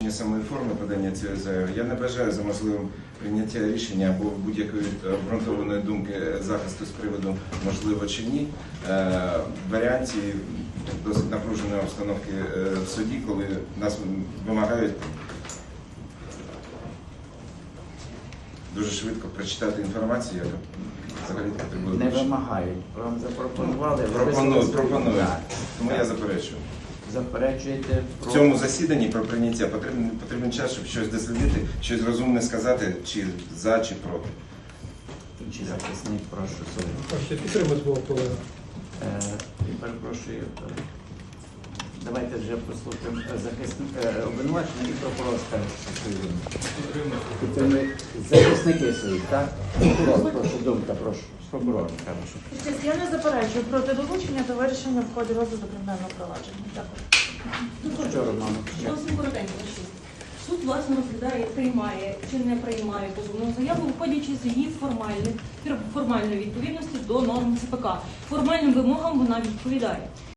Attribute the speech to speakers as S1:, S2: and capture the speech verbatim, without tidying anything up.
S1: визначення самої форми подання цієї заяви, я не бажаю за можливим прийняття рішення або будь-якої обґрунтованої думки захисту з приводу можливо чи ні. В варіанті досить напруженої обстановки в суді, коли нас вимагають дуже швидко прочитати інформацію, яка взагалі потребує.
S2: Не вимагають. Вам запропонували.
S1: Пропонують, пропонують. Тому я заперечую.
S2: Заперечуєте про...
S1: В цьому засіданні про прийняття потрібен, потрібен час, щоб щось дослідити, щось розумне сказати, чи за, чи проти.
S2: Інший захисник, прошу суду.
S3: Хочете підтримати свого колегу?
S2: Е, перепрошую. Давайте вже послухаємо захисника обвинувачення і прокурор скаже, що свою вину. Захисники свої, так? Прокурор, прошу, думка, прошу. Прокурор, прошу.
S4: Честь, я не заперечую проти долучення до вирішення в ході розгляду кримінального провадження. Дякую.
S2: Що, Романо?
S5: Зовсім коротенько. Суд, власне, розглядає, приймає чи не приймає позовну заяву, виходячи з її формальних, формальної відповідності до норм ЦПК. Формальним вимогам вона відповідає.